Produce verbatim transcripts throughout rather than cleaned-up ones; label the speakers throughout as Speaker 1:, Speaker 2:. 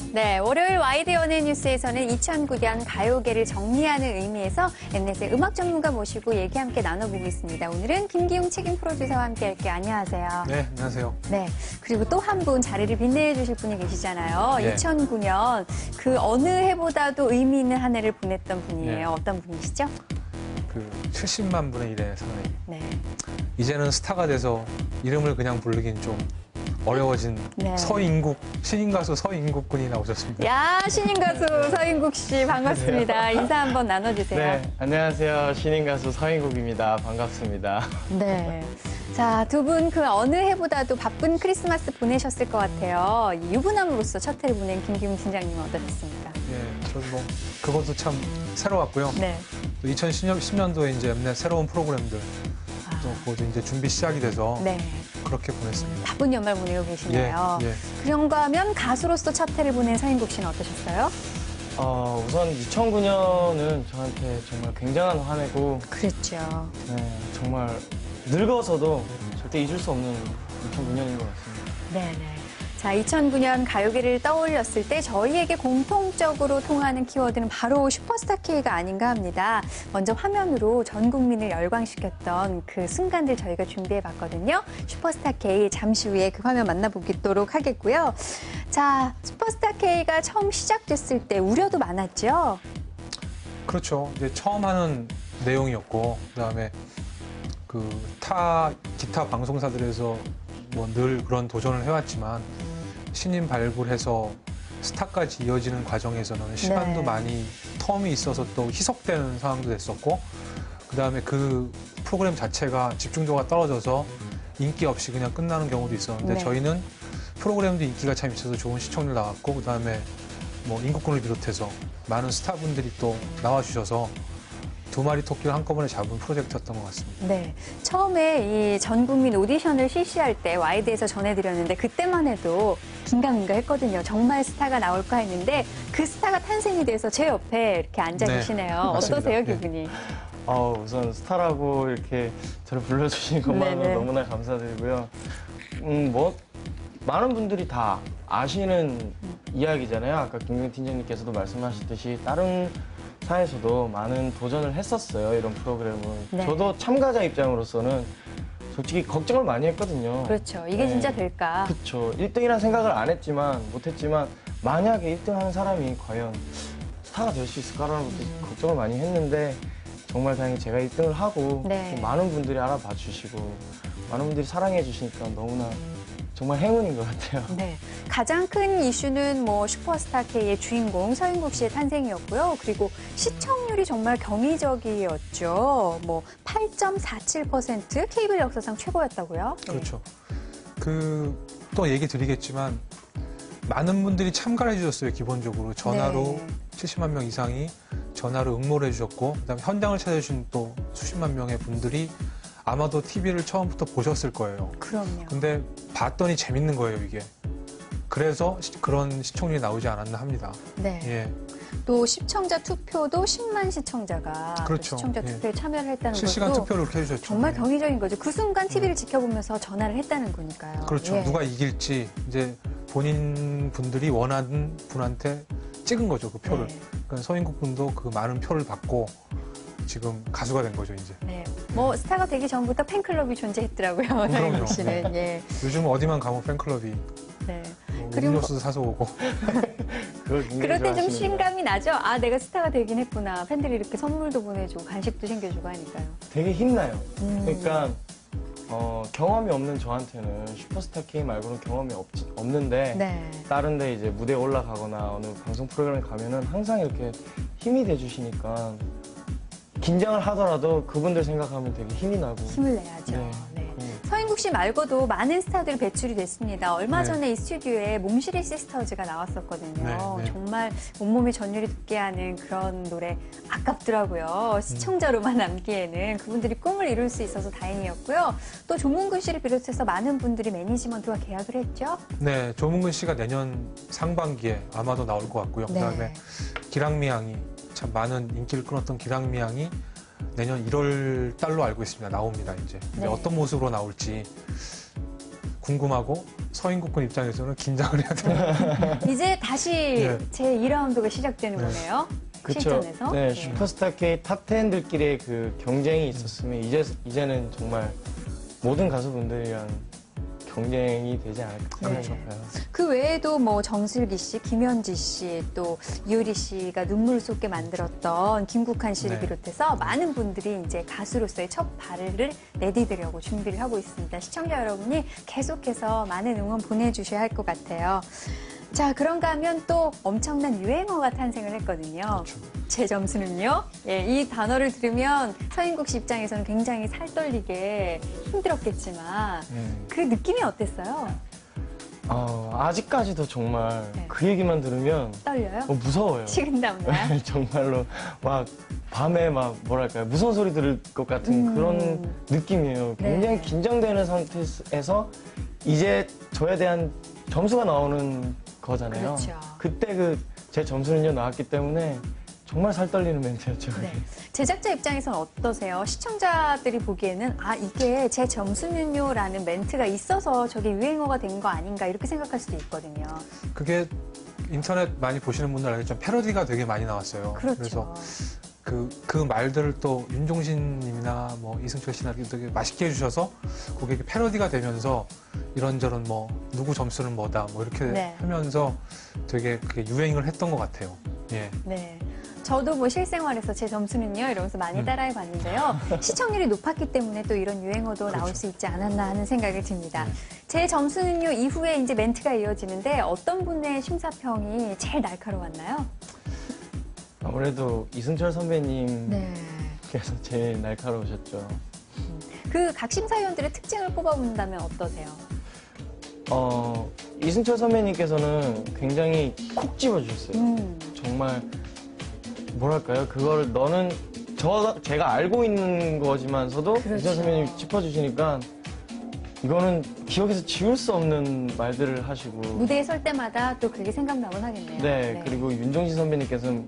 Speaker 1: 네, 월요일 와이드 연예 뉴스에서는 이천구 년 가요계를 정리하는 의미에서 엠넷의 음악 전문가 모시고 얘기 함께 나눠보고 있습니다. 오늘은 김기용 책임 프로듀서와 함께 할게요. 안녕하세요.
Speaker 2: 네, 안녕하세요.
Speaker 1: 네, 그리고 또 한 분 자리를 빛내해 주실 분이 계시잖아요.
Speaker 2: 네.
Speaker 1: 이천구 년 그 어느 해보다도 의미 있는 한 해를 보냈던 분이에요.
Speaker 2: 네.
Speaker 1: 어떤 분이시죠?
Speaker 2: 그 칠십만 분의 일의 사나이.
Speaker 1: 네.
Speaker 2: 이제는 스타가 돼서 이름을 그냥 부르긴 좀 어려워진
Speaker 1: 네.
Speaker 2: 서인국, 신인 가수 서인국 군이 나오셨습니다.
Speaker 1: 야, 신인 가수 서인국 씨 반갑습니다. 인사 한번 나눠주세요.
Speaker 3: 네, 안녕하세요. 신인 가수 서인국입니다. 반갑습니다.
Speaker 1: 네. 자, 두 분 그 어느 해보다도 바쁜 크리스마스 보내셨을 것 같아요. 유부남으로서 첫 해를 보낸 김기웅 팀장님은 어떠셨습니까?
Speaker 2: 예, 저는 뭐 그것도 참 새로웠고요.
Speaker 1: 네.
Speaker 2: 또 이천십 년도에 이제 엠넷 새로운 프로그램들
Speaker 1: 아,
Speaker 2: 또 그것도 이제 준비 시작이 돼서
Speaker 1: 네.
Speaker 2: 그렇게 보냈습니다.
Speaker 1: 바쁜 연말 보내고 계시네요.
Speaker 2: 예, 예.
Speaker 1: 그런가 하면 가수로서 첫 해를 보낸 서인국 씨는 어떠셨어요?
Speaker 3: 어, 우선 이천구 년은 저한테 정말 굉장한 한 해고,
Speaker 1: 그랬죠.
Speaker 3: 네, 정말 늙어서도 절대 잊을 수 없는 이천구 년인 것 같습니다.
Speaker 1: 네네. 자, 이천구 년 가요계를 떠올렸을 때 저희에게 공통적으로 통하는 키워드는 바로 슈퍼스타 K가 아닌가 합니다. 먼저 화면으로 전 국민을 열광시켰던 그 순간들 저희가 준비해봤거든요. 슈퍼스타 K 잠시 후에 그 화면 만나보도록 하겠고요. 자, 슈퍼스타 K가 처음 시작됐을 때 우려도 많았죠?
Speaker 2: 그렇죠. 이제 처음 하는 내용이었고, 그다음에 그 타 기타 방송사들에서 뭐 늘 그런 도전을 해왔지만 신인 발굴해서 스타까지 이어지는 과정에서는 시간도
Speaker 1: 네.
Speaker 2: 많이 텀이 있어서 또 희석되는 상황도 됐었고, 그다음에 그 프로그램 자체가 집중도가 떨어져서 인기 없이 그냥 끝나는 경우도 있었는데,
Speaker 1: 네.
Speaker 2: 저희는 프로그램도 인기가 참 있어서 좋은 시청률 나왔고, 그다음에 뭐 인국군을 비롯해서 많은 스타분들이 또 나와주셔서 두 마리 토끼를 한꺼번에 잡은 프로젝트였던 것 같습니다.
Speaker 1: 네. 처음에 이 전 국민 오디션을 실시할 때 와이드에서 전해드렸는데 그때만 해도 긴가민가 했거든요. 정말 스타가 나올까 했는데 그 스타가 탄생이 돼서 제 옆에 이렇게 앉아
Speaker 2: 네,
Speaker 1: 계시네요.
Speaker 2: 맞습니다.
Speaker 1: 어떠세요,
Speaker 2: 네.
Speaker 1: 기분이?
Speaker 3: 어, 우선 스타라고 이렇게 저를 불러주신 것만으로
Speaker 1: 네네.
Speaker 3: 너무나 감사드리고요. 음, 뭐, 많은 분들이 다 아시는 이야기잖아요. 아까 김기웅 팀장님께서도 말씀하셨듯이 다른 사에서도 많은 도전을 했었어요, 이런 프로그램을.
Speaker 1: 네.
Speaker 3: 저도 참가자 입장으로서는 솔직히 걱정을 많이 했거든요.
Speaker 1: 그렇죠. 이게
Speaker 3: 네.
Speaker 1: 진짜 될까?
Speaker 3: 그쵸. 일 등이라는 생각을 안 했지만, 못했지만, 만약에 일 등 하는 사람이 과연 스타가 될 수 있을까라는 것도
Speaker 1: 음.
Speaker 3: 걱정을 많이 했는데, 정말 다행히 제가 일 등을 하고,
Speaker 1: 네.
Speaker 3: 또 많은 분들이 알아봐 주시고, 많은 분들이 사랑해 주시니까 너무나 정말 행운인 것 같아요.
Speaker 1: 네. 가장 큰 이슈는 뭐 슈퍼스타 K의 주인공 서인국 씨의 탄생이었고요. 그리고 시청률이 정말 경이적이었죠. 뭐 팔 점 사칠 퍼센트 케이블 역사상 최고였다고요? 네.
Speaker 2: 그렇죠. 그 또 얘기 드리겠지만 많은 분들이 참가를 해주셨어요. 기본적으로 전화로
Speaker 1: 네.
Speaker 2: 칠십만 명 이상이 전화로 응모를 해주셨고, 그다음에 현장을 찾아주신 또 수십만 명의 분들이 아마도 티비를 처음부터 보셨을 거예요.
Speaker 1: 그럼요.
Speaker 2: 근데 봤더니 재밌는 거예요, 이게. 그래서 시- 그런 시청률이 나오지 않았나 합니다.
Speaker 1: 네.
Speaker 2: 예.
Speaker 1: 또 시청자 투표도 십만 시청자가 그
Speaker 2: 그렇죠.
Speaker 1: 시청자
Speaker 2: 예.
Speaker 1: 투표에 참여를 했다는
Speaker 2: 실시간
Speaker 1: 것도
Speaker 2: 투표를 그렇게 해주셨죠.
Speaker 1: 정말
Speaker 2: 예.
Speaker 1: 경이적인 거죠. 그 순간 티비를 지켜보면서 전화를 했다는 거니까요.
Speaker 2: 그렇죠.
Speaker 1: 예.
Speaker 2: 누가 이길지 이제 본인 분들이 원하는 분한테 찍은 거죠, 그 표를.
Speaker 1: 네.
Speaker 2: 그러니까 서인국 군도 그 많은 표를 받고 지금 가수가 된 거죠, 이제.
Speaker 1: 네. 뭐 스타가 되기 전부터 팬클럽이 존재했더라고요.
Speaker 2: 그럼요.
Speaker 1: 서인국 씨는. 예.
Speaker 2: 요즘 어디만 가면 팬클럽이
Speaker 1: 네.
Speaker 2: 뭐
Speaker 1: 그리고
Speaker 2: 음료수 사서 오고.
Speaker 3: 그걸 굉장히
Speaker 1: 그럴 때 좀
Speaker 3: 좋아하시는구나.
Speaker 1: 실감이 나죠? 아, 내가 스타가 되긴 했구나. 팬들이 이렇게 선물도 보내주고 간식도 챙겨주고 하니까요.
Speaker 3: 되게 힘나요.
Speaker 1: 음.
Speaker 3: 그러니까 어, 경험이 없는 저한테는 슈퍼스타 K 말고는 경험이 없, 없는데
Speaker 1: 네.
Speaker 3: 다른 데 이제 무대에 올라가거나 어느 방송 프로그램에 가면은 항상 이렇게 힘이 돼주시니까 긴장을 하더라도 그분들 생각하면 되게 힘이 나고.
Speaker 1: 힘을 내야죠.
Speaker 3: 네.
Speaker 1: 네.
Speaker 3: 음.
Speaker 1: 서인국 씨 말고도 많은 스타들이 배출이 됐습니다. 얼마
Speaker 2: 네.
Speaker 1: 전에 이 스튜디오에 몽실이 시스터즈가 나왔었거든요.
Speaker 2: 네, 네.
Speaker 1: 정말 온몸이 전율이 돋게 하는 그런 노래 아깝더라고요. 시청자로만 남기에는 그분들이 꿈을 이룰 수 있어서 다행이었고요. 또 조문근 씨를 비롯해서 많은 분들이 매니지먼트와 계약을 했죠.
Speaker 2: 네, 조문근 씨가 내년 상반기에 아마도 나올 것 같고요.
Speaker 1: 네.
Speaker 2: 그다음에 기랑미 양이 참 많은 인기를 끌었던 기랑미 양이 내년 일월 달로 알고 있습니다. 나옵니다, 이제. 근데
Speaker 1: 네.
Speaker 2: 어떤 모습으로 나올지 궁금하고 서인국군 입장에서는 긴장을 해야 돼요.
Speaker 1: 이제 다시
Speaker 2: 네.
Speaker 1: 제이 라운드가 시작되는
Speaker 2: 네.
Speaker 1: 거네요.
Speaker 3: 그쵸.
Speaker 1: 실전에서.
Speaker 3: 네, 슈퍼스타 K 탑 텐들끼리의 그 경쟁이 있었으면 이제 이제는 정말 모든 가수분들이랑 경쟁이 되지 않을까
Speaker 1: 네.
Speaker 3: 생각해요.
Speaker 1: 그 외에도 뭐 정슬기 씨, 김현지 씨, 또 이효리 씨가 눈물을 쏟게 만들었던 김국한 씨를
Speaker 2: 네.
Speaker 1: 비롯해서 많은 분들이 이제 가수로서의 첫 발을 내디디려고 준비를 하고 있습니다. 시청자 여러분이 계속해서 많은 응원 보내주셔야 할 것 같아요. 자, 그런가 하면 또 엄청난 유행어가 탄생을 했거든요.
Speaker 2: 그렇죠.
Speaker 1: 제 점수는요? 예, 이 단어를 들으면 서인국 씨 입장에서는 굉장히 살떨리게 힘들었겠지만
Speaker 3: 음.
Speaker 1: 그 느낌이 어땠어요?
Speaker 3: 어, 아직까지도 정말
Speaker 1: 네.
Speaker 3: 그 얘기만 들으면
Speaker 1: 떨려요?
Speaker 3: 어, 무서워요.
Speaker 1: 식은땀 나요?
Speaker 3: 정말로 막 밤에 막 뭐랄까요 무서운 소리 들을 것 같은
Speaker 1: 음.
Speaker 3: 그런 느낌이에요. 굉장히
Speaker 1: 네.
Speaker 3: 긴장되는 상태에서 이제 저에 대한 점수가 나오는 거잖아요.
Speaker 1: 그렇죠.
Speaker 3: 그때 그 제 점수는요 나왔기 때문에 정말 살 떨리는 멘트였죠. 그게.
Speaker 1: 네. 제작자 입장에서는 어떠세요? 시청자들이 보기에는 아 이게 제 점수는요라는 멘트가 있어서 저게 유행어가 된 거 아닌가 이렇게 생각할 수도 있거든요.
Speaker 2: 그게 인터넷 많이 보시는 분들 알겠지만 패러디가 되게 많이 나왔어요.
Speaker 1: 그렇죠.
Speaker 2: 래서 그, 그 말들을 또 윤종신 님이나 뭐 이승철 씨나 되게 맛있게 해주셔서 그게 패러디가 되면서 이런저런 뭐 누구 점수는 뭐다 뭐 이렇게
Speaker 1: 네.
Speaker 2: 하면서 되게 그게 유행을 했던 것 같아요. 예.
Speaker 1: 네. 저도 뭐 실생활에서 제 점수는요 이러면서 많이
Speaker 2: 음.
Speaker 1: 따라해 봤는데요. 시청률이 높았기 때문에 또 이런 유행어도 나올
Speaker 2: 그렇죠.
Speaker 1: 수 있지 않았나 하는 생각이 듭니다.
Speaker 2: 네.
Speaker 1: 제 점수는요 이후에 이제 멘트가 이어지는데 어떤 분의 심사평이 제일 날카로웠나요?
Speaker 3: 아무래도 이승철 선배님께서
Speaker 1: 네.
Speaker 3: 제일 날카로우셨죠.
Speaker 1: 그 각 심사위원들의 특징을 뽑아본다면 어떠세요?
Speaker 3: 어, 이승철 선배님께서는 굉장히 콕 집어주셨어요.
Speaker 1: 음.
Speaker 3: 정말 뭐랄까요? 그거를 너는 저 제가 알고 있는 거지만서도
Speaker 1: 그렇죠.
Speaker 3: 이승철 선배님이 짚어주시니까 이거는 기억에서 지울 수 없는 말들을 하시고
Speaker 1: 무대에 설 때마다 또 그게 생각나곤 하겠네요.
Speaker 3: 네, 그리고 윤종신 선배님께서는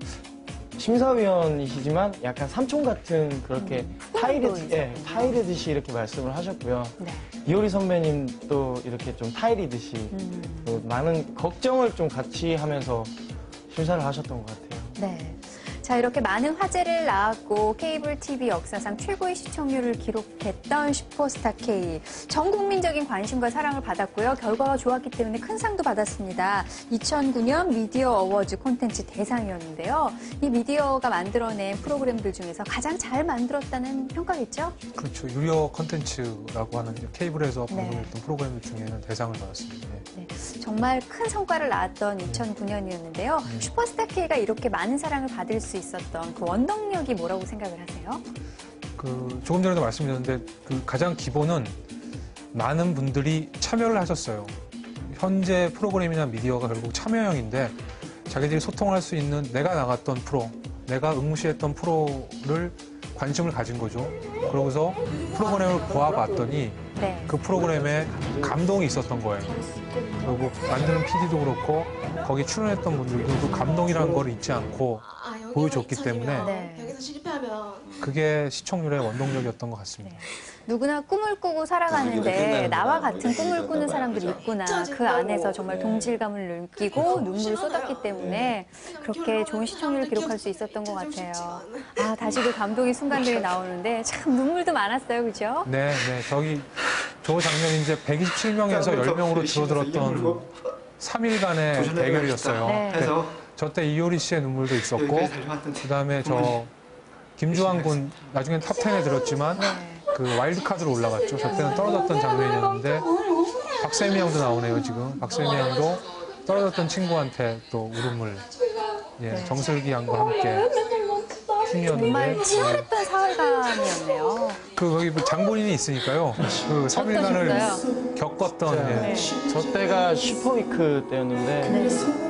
Speaker 3: 심사위원이시지만 약간 삼촌 같은 그렇게
Speaker 1: 음,
Speaker 3: 타이르,
Speaker 1: 꿈도
Speaker 3: 예,
Speaker 1: 있었군요.
Speaker 3: 타이르듯이 이렇게 말씀을 하셨고요.
Speaker 1: 네.
Speaker 3: 이효리 선배님도 이렇게 좀 타이르듯이
Speaker 1: 음.
Speaker 3: 또 많은 걱정을 좀 같이 하면서 심사를 하셨던 것 같아요.
Speaker 1: 네. 자, 이렇게 많은 화제를 낳았고 케이블 티비 역사상 최고의 시청률을 기록했던 슈퍼스타 K. 전 국민적인 관심과 사랑을 받았고요. 결과가 좋았기 때문에 큰 상도 받았습니다. 이천구 년 미디어 어워즈 콘텐츠 대상이었는데요. 이 미디어가 만들어낸 프로그램들 중에서 가장 잘 만들었다는 평가겠죠?
Speaker 2: 그렇죠. 유료 컨텐츠라고 하는 이제 케이블에서
Speaker 1: 네.
Speaker 2: 방송했던 프로그램 중에는 대상을 받았습니다. 예.
Speaker 1: 네, 정말 큰 성과를 낳았던 이천구 년이었는데요.
Speaker 2: 네.
Speaker 1: 슈퍼스타 K가 이렇게 많은 사랑을 받을 수 있었던 그 원동력이 뭐라고 생각을 하세요?
Speaker 2: 그 조금 전에도 말씀드렸는데 그 가장 기본은 많은 분들이 참여를 하셨어요. 현재 프로그램이나 미디어가 결국 참여형인데 자기들이 소통할 수 있는 내가 나갔던 프로, 내가 응시했던 프로를 관심을 가진 거죠. 그러고서 프로그램을 보아봤더니
Speaker 1: 네.
Speaker 2: 그 프로그램에 감동이 있었던 거예요. 그리고 만드는 피디도 그렇고 거기 출연했던 분들도 그 감동이라는 걸 잊지 않고
Speaker 4: 아, 여기가
Speaker 2: 보여줬기
Speaker 4: 이천이면
Speaker 2: 때문에
Speaker 1: 네.
Speaker 4: 여기서 실패하면
Speaker 2: 그게 시청률의 원동력이었던 것 같습니다.
Speaker 1: 누구나 꿈을 꾸고 살아가는데 나와 같은 꿈을 꾸는 사람들이 있구나. 그 안에서 정말 동질감을 느끼고 눈물을 쏟았기 때문에 그렇게 좋은 시청률을 기록할 수 있었던 것 같아요. 아, 다시 그 감동의 순간들이 나오는데 참 눈물도 많았어요. 그죠?
Speaker 2: 네, 네. 저기 저 장면이 이제 백이십칠 명에서 열 명으로 줄어들었던 삼 일간의 대결이었어요.
Speaker 1: 네.
Speaker 2: 네. 저때 이효리 씨의 눈물도 있었고 그다음에 저 김주환 군 나중엔 탑 텐에 들었지만 그 와일드카드로 올라갔죠. 저 때는 떨어졌던 장면이었는데 박세미 양도 나오네요. 지금 박세미 양도 떨어졌던 친구한테 또 울음을 예, 정슬기 양과 함께 팀이었는데
Speaker 1: 정말 치열했던 사흘간이었네요.
Speaker 2: 그 거기 뭐 장본인이 있으니까요. 그 삼 일간을
Speaker 1: 어떠셨어요?
Speaker 2: 겪었던 예.
Speaker 3: 저 때가 슈퍼위크 때였는데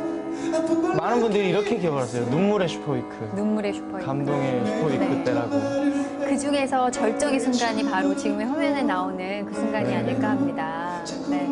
Speaker 3: 많은 분들이 이렇게 기억을 하세요. 눈물의 슈퍼위크,
Speaker 1: 눈물의 슈퍼히어로.
Speaker 3: 감동의 슈퍼위크
Speaker 1: 네.
Speaker 3: 때라고.
Speaker 1: 그 중에서 절정의 순간이 바로 지금의 화면에 나오는 그 순간이
Speaker 3: 네.
Speaker 1: 아닐까 합니다. 네.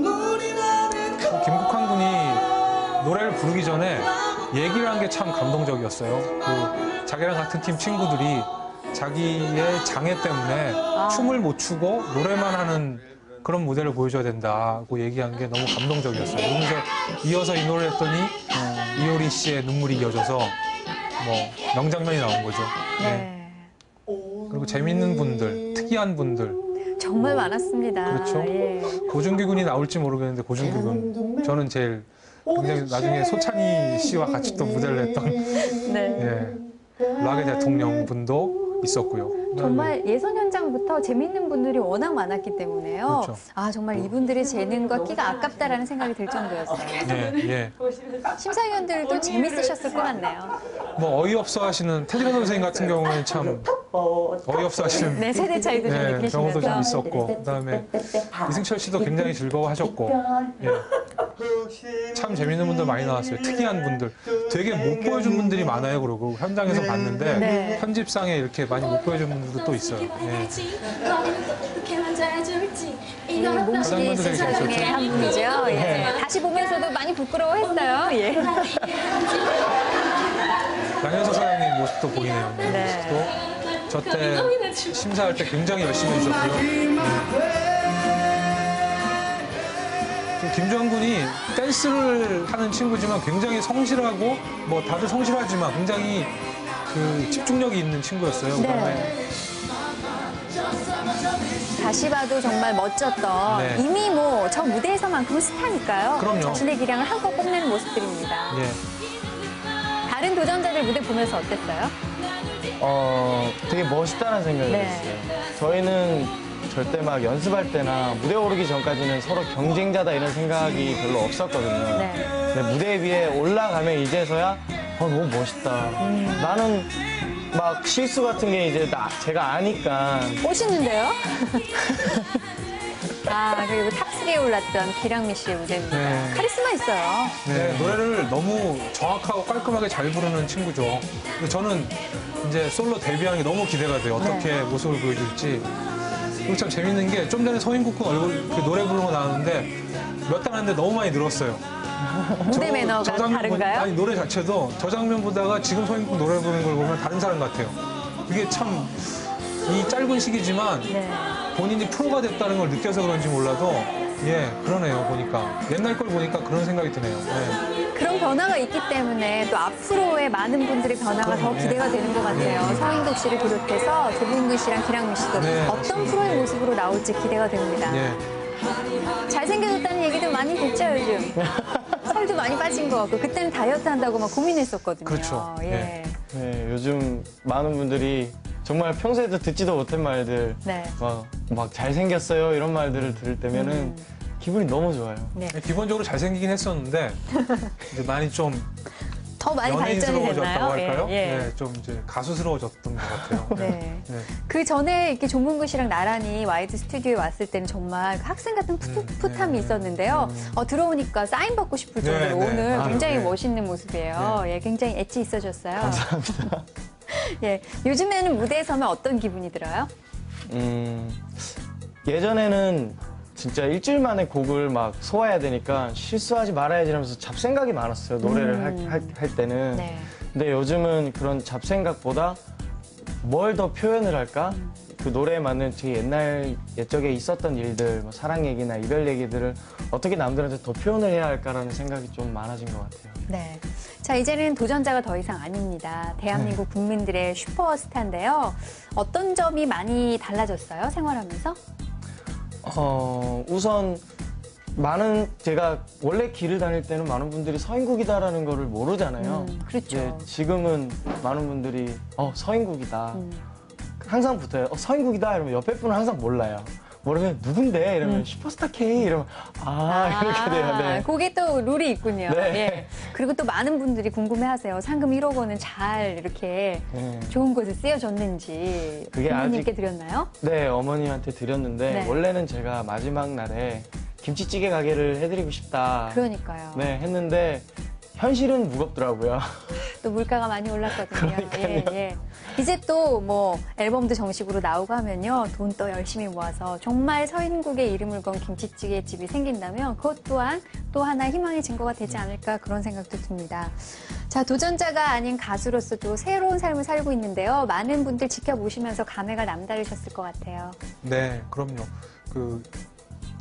Speaker 2: 김국환 군이 노래를 부르기 전에 얘기를 한 게 참 감동적이었어요. 그 자기랑 같은 팀 친구들이 자기의 장애 때문에
Speaker 1: 아.
Speaker 2: 춤을 못 추고 노래만 하는 그런 무대를 보여줘야 된다고 얘기한 게 너무 감동적이었어요. 그러면서 이어서 이 노래를 했더니 이효리 씨의 눈물이 이어져서 뭐 명장면이 나온 거죠. 네.
Speaker 1: 네.
Speaker 2: 그리고 재밌는 분들, 특이한 분들.
Speaker 1: 정말 많았습니다.
Speaker 2: 그렇죠.
Speaker 1: 예.
Speaker 2: 고준규 군이 나올지 모르겠는데 고준규 군 저는 제일 굉장히 나중에 소찬희 씨와 같이 또 무대를 했던
Speaker 1: 네.
Speaker 2: 예, 락의 대통령 분도 있었고요.
Speaker 1: 정말 예선 현장부터 재밌는 분들이 워낙 많았기 때문에요.
Speaker 2: 그렇죠.
Speaker 1: 아 정말 이분들의 재능과 끼가 아깝다라는 생각이 들 정도였어요.
Speaker 2: 예, 예.
Speaker 1: 심사위원들도 재밌으셨을 것 같네요.
Speaker 2: 뭐 어이없어 하시는 태진아 선생님 같은 경우는 참 어이없어 하시는
Speaker 1: 네, 세대 차이도 좀
Speaker 2: 네, 경우도 좀
Speaker 1: 느끼시면서.
Speaker 2: 있었고 그다음에 이승철 씨도 굉장히 즐거워하셨고 예. 참 재밌는 분들 많이 나왔어요. 특이한 분들 되게 못 보여준 분들이 많아요. 그리고 현장에서 봤는데
Speaker 1: 네.
Speaker 2: 편집상에 이렇게 많이 못 보여준 분들도 또 있어요. 예.
Speaker 1: 이 몽실이
Speaker 2: 되게
Speaker 1: 스타 중에
Speaker 2: 재밌었죠.
Speaker 1: 한 분이죠. 예. 다시 보면서도 많이 부끄러워했어요. 예.
Speaker 2: 양현석 사장님 모습도 보이네요.
Speaker 1: 네.
Speaker 2: 또 저때 심사할 때 굉장히 열심히 해주셨고요. 네. 김주환 군이 댄스를 하는 친구지만 굉장히 성실하고 뭐 다들 성실하지만 굉장히 그 집중력이 있는 친구였어요. 그다음에
Speaker 1: 네. 다시 봐도 정말 멋졌던
Speaker 2: 네.
Speaker 1: 이미 뭐 저 무대에서만큼은 스타니까요.
Speaker 2: 그럼요.
Speaker 1: 자신의 기량을 한껏 뽐내는 모습들입니다.
Speaker 2: 예.
Speaker 1: 다른 도전자들 무대 보면서 어땠어요?
Speaker 3: 어, 되게 멋있다는 생각이
Speaker 1: 네.
Speaker 3: 들었어요. 저희는 절대 막 연습할 때나 무대 오르기 전까지는 서로 경쟁자다 이런 생각이 별로 없었거든요.
Speaker 1: 네.
Speaker 3: 근데 무대 위에 올라가면 이제서야 어, 너무 멋있다.
Speaker 1: 음.
Speaker 3: 나는 막 실수 같은 게 이제 나, 제가 아니까
Speaker 1: 멋있는데요? 아, 그리고 탑쓰리에 올랐던 기량미 씨의 무대입니다.
Speaker 2: 네.
Speaker 1: 카리스마 있어요.
Speaker 2: 네, 노래를 너무 정확하고 깔끔하게 잘 부르는 친구죠. 근데 저는 이제 솔로 데뷔하는 게 너무 기대가 돼요. 어떻게
Speaker 1: 네.
Speaker 2: 모습을 보여줄지. 그리고 참 재밌는 게 좀 전에 서인국 군 얼굴 그 노래 부르는 거 나왔는데 몇 달 했는데 너무 많이 늘었어요.
Speaker 1: 무대
Speaker 2: 저-
Speaker 1: 매너가
Speaker 2: 저 장면 보-
Speaker 1: 다른가요?
Speaker 2: 아니 노래 자체도 저 장면 보다가 지금 서인국 노래 부르는 걸 보면 다른 사람 같아요. 그게 참 이 짧은 시기지만
Speaker 1: 네.
Speaker 2: 본인이 프로가 됐다는 걸 느껴서 그런지 몰라도 예 그러네요 보니까 옛날 걸 보니까 그런 생각이 드네요. 네.
Speaker 1: 그런 변화가 있기 때문에 또 앞으로의 많은 분들의 변화가 더
Speaker 2: 그럼요.
Speaker 1: 기대가 되는 것 같아요. 서인국 씨를 비롯해서 조bun근 씨랑 기량미 씨도
Speaker 2: 네,
Speaker 1: 어떤
Speaker 2: 맞습니다.
Speaker 1: 프로의 모습으로 나올지 기대가 됩니다.
Speaker 2: 예.
Speaker 1: 잘생겨졌다는 얘기도 많이 듣죠, 요즘. 살도 많이 빠진 것 같고 그때는 다이어트 한다고 막 고민했었거든요.
Speaker 2: 그렇죠.
Speaker 1: 예.
Speaker 3: 네, 요즘 많은 분들이 정말 평소에도 듣지도 못한 말들
Speaker 1: 네.
Speaker 3: 막, 막 잘생겼어요 이런 말들을 들을 때면은
Speaker 1: 음.
Speaker 3: 기분이 너무 좋아요.
Speaker 1: 네.
Speaker 2: 기본적으로 잘생기긴 했었는데 이제 많이 좀
Speaker 1: 더 많이 발전이
Speaker 2: 연예인스러워졌다고
Speaker 1: 됐나요?
Speaker 2: 할까요?
Speaker 1: 예, 예.
Speaker 2: 네, 좀 이제 가수스러워졌던 것 같아요.
Speaker 1: 네.
Speaker 2: 네.
Speaker 1: 그 전에 이렇게 조문근 씨랑 나란히 와이드 스튜디오에 왔을 때는 정말 그 학생 같은 풋풋함이
Speaker 2: 네.
Speaker 1: 있었는데요. 어, 들어오니까 사인 받고 싶을
Speaker 2: 네,
Speaker 1: 정도로
Speaker 2: 네.
Speaker 1: 오늘
Speaker 2: 아,
Speaker 1: 굉장히
Speaker 2: 네.
Speaker 1: 멋있는 모습이에요. 예, 굉장히 엣지 있어졌어요.
Speaker 3: 감사합니다.
Speaker 1: 예, 요즘에는 무대에 서면 어떤 기분이 들어요?
Speaker 3: 음, 예전에는 진짜 일주일 만에 곡을 막 소화해야 되니까 실수하지 말아야지 하면서 잡생각이 많았어요. 노래를
Speaker 1: 음.
Speaker 3: 할, 할, 할 때는.
Speaker 1: 네.
Speaker 3: 근데 요즘은 그런 잡생각보다 뭘 더 표현을 할까? 그 노래에 맞는 제 옛날 옛적에 있었던 일들, 뭐 사랑 얘기나 이별 얘기들을 어떻게 남들한테 더 표현을 해야 할까라는 생각이 좀 많아진 것 같아요.
Speaker 1: 네. 자, 이제는 도전자가 더 이상 아닙니다. 대한민국
Speaker 2: 네.
Speaker 1: 국민들의 슈퍼스타인데요. 어떤 점이 많이 달라졌어요? 생활하면서?
Speaker 3: 어, 우선 많은 제가 원래 길을 다닐 때는 많은 분들이 서인국이다라는 거를 모르잖아요.
Speaker 1: 음, 그렇죠.
Speaker 3: 예, 지금은 많은 분들이 어 서인국이다.
Speaker 1: 음.
Speaker 3: 항상 붙어요. 어, 서인국이다 이러면 옆에 분은 항상 몰라요. 모르면 누군데 이러면
Speaker 1: 음.
Speaker 3: 슈퍼스타 K 이러면 아, 이렇게 돼요. 네.
Speaker 1: 그게 또 룰이 있군요.
Speaker 3: 네.
Speaker 1: 예. 그리고 또 많은 분들이 궁금해하세요. 상금 일억 원은 잘 이렇게
Speaker 3: 네.
Speaker 1: 좋은 곳에 쓰여졌는지
Speaker 3: 그게
Speaker 1: 부모님께
Speaker 3: 아직-
Speaker 1: 드렸나요?
Speaker 3: 네, 어머니한테 드렸는데
Speaker 1: 네.
Speaker 3: 원래는 제가 마지막 날에 김치찌개 가게를 해드리고 싶다.
Speaker 1: 그러니까요.
Speaker 3: 네, 했는데 현실은 무겁더라고요.
Speaker 1: 또 물가가 많이 올랐거든요.
Speaker 3: 그러니까요.
Speaker 1: 예, 예. 이제 또 뭐 앨범도 정식으로 나오고 하면요. 돈 또 열심히 모아서 정말 서인국의 이름을 건 김치찌개 집이 생긴다면 그것 또한 또 하나의 희망의 증거가 되지 않을까 그런 생각도 듭니다. 자, 도전자가 아닌 가수로서 또 새로운 삶을 살고 있는데요. 많은 분들 지켜보시면서 감회가 남다르셨을 것 같아요.
Speaker 2: 네, 그럼요. 그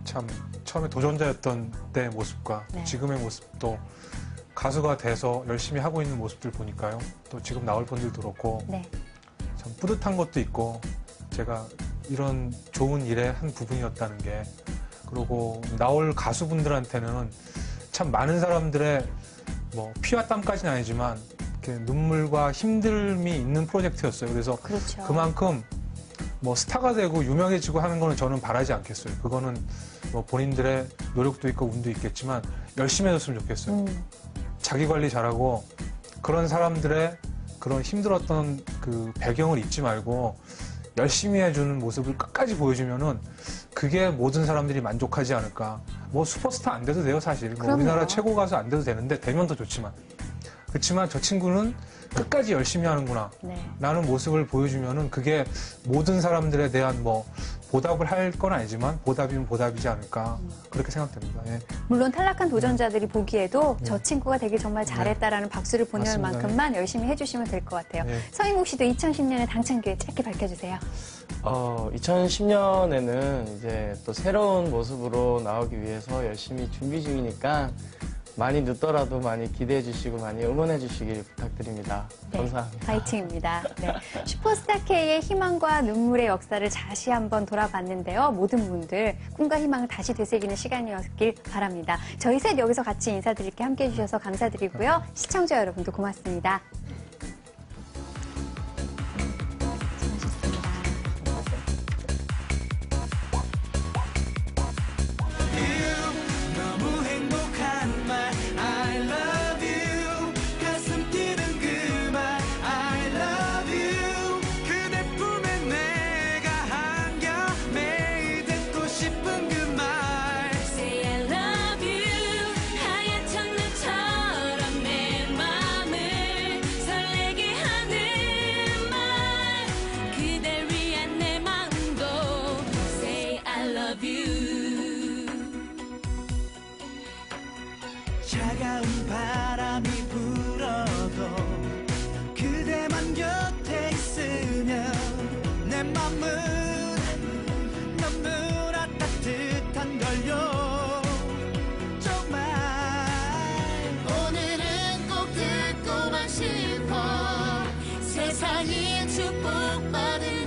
Speaker 2: 참 처음에 도전자였던 때 모습과
Speaker 1: 네.
Speaker 2: 지금의 모습도 가수가 돼서 열심히 하고 있는 모습들 보니까요. 또 지금 나올 분들도 그렇고
Speaker 1: 네.
Speaker 2: 참 뿌듯한 것도 있고 제가 이런 좋은 일의 한 부분이었다는 게 그리고 나올 가수분들한테는 참 많은 사람들의 뭐 피와 땀까지는 아니지만 이렇게 눈물과 힘듦이 있는 프로젝트였어요. 그래서
Speaker 1: 그렇죠.
Speaker 2: 그만큼 뭐 스타가 되고 유명해지고 하는 거는 저는 바라지 않겠어요. 그거는 뭐 본인들의 노력도 있고 운도 있겠지만 열심히 해줬으면 좋겠어요.
Speaker 1: 음.
Speaker 2: 자기 관리 잘하고 그런 사람들의 그런 힘들었던 그 배경을 잊지 말고 열심히 해주는 모습을 끝까지 보여주면은 그게 모든 사람들이 만족하지 않을까. 뭐 슈퍼스타 안 돼도 돼요, 사실. 뭐
Speaker 1: 그럼요.
Speaker 2: 우리나라 최고 가수 안 돼도 되는데 되면 더 좋지만. 그렇지만 저 친구는 끝까지 열심히 하는구나.
Speaker 1: 네.
Speaker 2: 라는 모습을 보여주면은 그게 모든 사람들에 대한 뭐 보답을 할 건 아니지만 보답이면 보답이지 않을까. 그렇게 생각됩니다. 예.
Speaker 1: 물론 탈락한 도전자들이 보기에도
Speaker 2: 네.
Speaker 1: 저 친구가 되게 정말 잘했다라는 박수를 보낼
Speaker 2: 맞습니다.
Speaker 1: 만큼만 열심히 해주시면 될 것 같아요.
Speaker 2: 네.
Speaker 1: 서인국 씨도 이천십 년에 당찬 기회 짧게 밝혀주세요.
Speaker 3: 어, 이천십 년에는 이제 또 새로운 모습으로 나오기 위해서 열심히 준비 중이니까 많이 늦더라도 많이 기대해 주시고 많이 응원해 주시길 부탁드립니다.
Speaker 1: 네,
Speaker 3: 감사합니다.
Speaker 1: 파이팅입니다. 네. 슈퍼스타 K의 희망과 눈물의 역사를 다시 한번 돌아봤는데요. 모든 분들 꿈과 희망을 다시 되새기는 시간이었길 바랍니다. 저희 셋 여기서 같이 인사드릴게 함께해 주셔서 감사드리고요. 시청자 여러분도 고맙습니다.
Speaker 4: 너무 행복한 말 I love you 가슴 뛰는 그 말 I love you 그대 품에 내가 안겨 매일 듣고 싶은 그 말
Speaker 5: Say I love you 하얀 첫눈처럼 내 맘을 설레게 하는 말 그댈 위한 내 마음도 Say I love you
Speaker 4: 차가운 바람이 불어도 그대만 곁에 있으면 내 맘은 너무나 따뜻한 걸요 정말
Speaker 5: 오늘은 꼭 듣고만 싶어 세상이 축복받은